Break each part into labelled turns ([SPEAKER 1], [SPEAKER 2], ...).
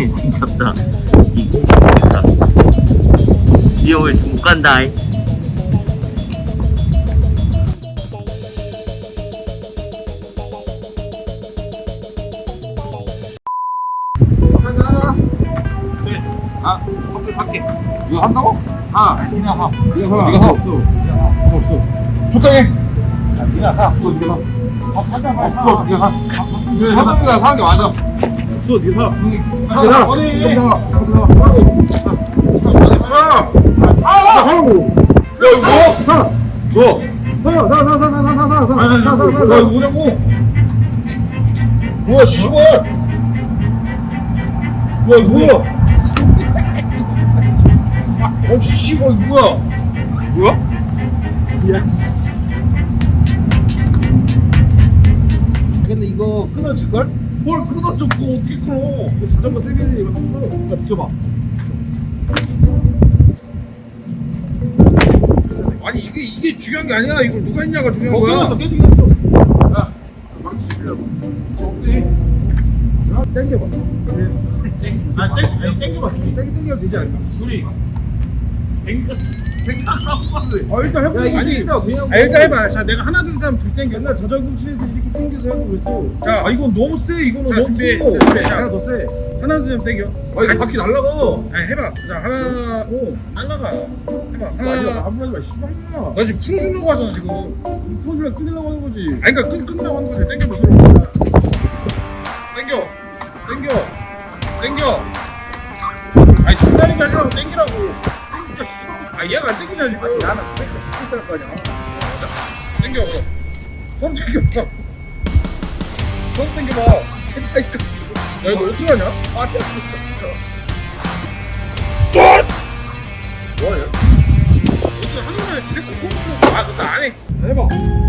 [SPEAKER 1] 징쳤다. 리얼 못 간다.
[SPEAKER 2] 아, 커플 살게. 이거 한다고? 그냥 사. 네가 사.
[SPEAKER 3] 네가 사.
[SPEAKER 2] 없어. 적당해. 네가 사. 없어, 네가 사. 없어, 네가 사. 하성이가 사는 게 맞아. 없어, 네가 사. 네가 사. 어디? 사. 나 사라고. 야, 이거 뭐? 사. 뭐? 사. 이거 뭐냐고? 뭐야, 씨발. 야, 이거 뭐야? 씨발, 이거 뭐야? 뭐야? 야,
[SPEAKER 3] 근데 이거 끊어질걸?
[SPEAKER 2] 뭘 끊어져, 그거 어떻게 끊어?
[SPEAKER 3] 이거 자전거 세면이 이거 한번 끊어. 자, 비켜봐.
[SPEAKER 2] 아니, 이게 중요한 게 아니야. 이걸 누가 했냐가 중요한
[SPEAKER 3] 끊었어,
[SPEAKER 2] 거야.
[SPEAKER 3] 깨지긴 했어. 야, 망치 주려고. 어때? 땡겨봐. 아니, 땡겨봐. 세게 땡겨도 되지 않을까? 둘이. 일단 해보자.
[SPEAKER 2] 야, 아니,
[SPEAKER 3] 그냥
[SPEAKER 2] 일단 해봐. 자, 내가 하나, 둘, 셋 하면 둘 땡겨.
[SPEAKER 3] 옛날 자전거 치는데 이렇게 땡겨서 하고 그랬어.
[SPEAKER 2] 자, 이건 너무 세. 이거는
[SPEAKER 3] 자,
[SPEAKER 2] 너무
[SPEAKER 3] 준비.
[SPEAKER 2] 커.
[SPEAKER 3] 하나 더 세.
[SPEAKER 2] 하나, 둘, 셋 땡겨.
[SPEAKER 3] 이거 바퀴 날라가.
[SPEAKER 2] 아니, 해봐. 자, 하나, 오, 날라가. 해봐.
[SPEAKER 3] 마지막
[SPEAKER 2] 하나.
[SPEAKER 3] 한 번만 씨발이야.
[SPEAKER 2] 나 지금 풀어주려고 하잖아, 지금.
[SPEAKER 3] 폰이랑 끊으려고 하는 거지.
[SPEAKER 2] 아니, 그니까 끊으려고 하는 거지. 땡겨봐, 서로. 땡겨. 아니, 중단이 게 아니라 땡기라고. 땡기자, 씨발. 아, 얘가 안 땡기냐, 지금.
[SPEAKER 3] 나는 그렇게 있을 거 아니야.
[SPEAKER 2] 땡겨. 손 땡겨봐. 손 땡겨봐. 야, 이거 어떻게 하냐? 아, 진짜. 뭐하냐? 어떻게 하는 거야? 계속 손 땡겨. 아, 근데 안 해. 해봐.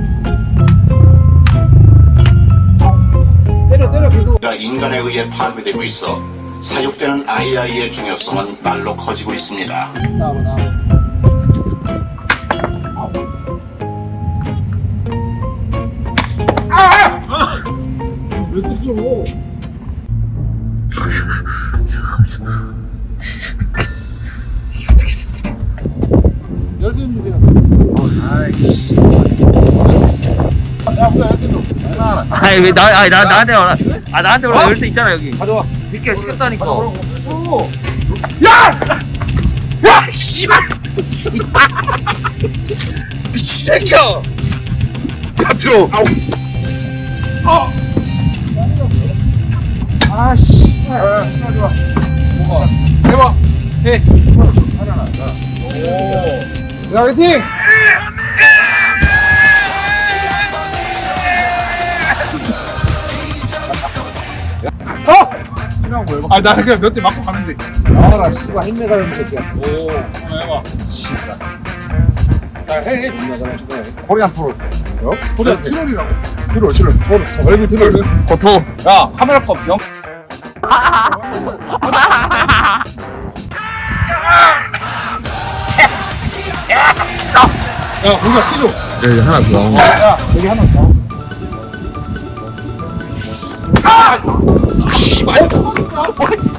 [SPEAKER 2] 때려, 계속.
[SPEAKER 4] 가 인간에 의해 파괴되고 있어 사육되는 AI의 중요성은 날로 커지고 있습니다.
[SPEAKER 3] 나와봐.
[SPEAKER 2] 왜 그러죠?
[SPEAKER 3] 열쇠 주세요.
[SPEAKER 2] 아이씨. 야, 뭐야, 열쇠 좀. 하나.
[SPEAKER 1] 아니 왜 나한테 와라. 아 나한테 와라. 열쇠 있잖아 여기.
[SPEAKER 2] 가져와.
[SPEAKER 1] 늦게 시켰다니까.
[SPEAKER 2] 오.
[SPEAKER 1] 야 씨발.
[SPEAKER 2] 미친 새끼야! 야, 들어!
[SPEAKER 3] 아씨. 좋아. 뭐가?
[SPEAKER 2] 해봐! 해!
[SPEAKER 3] 하나 나가.
[SPEAKER 2] 오! 야, 화이팅!
[SPEAKER 3] 그냥 뭐 해봐.
[SPEAKER 2] 아, 나 그냥 몇 대 맞고 가는데.
[SPEAKER 3] 나와라 씨발 힘내가는 새끼야.
[SPEAKER 2] 오, 하나 해봐.
[SPEAKER 3] 씨발.
[SPEAKER 2] 자, 해.
[SPEAKER 3] 힘내가는 주네.
[SPEAKER 2] 코리안 트롤. 코리안 트롤이라고.
[SPEAKER 3] 트롤.
[SPEAKER 2] 얼굴 트롤.
[SPEAKER 1] 고토.
[SPEAKER 2] 야, 카메라 컵 영. 야, 우리가 튀죠?
[SPEAKER 1] 여기 하나 더.
[SPEAKER 2] 야, 여기 하나 더. 아! 씨발!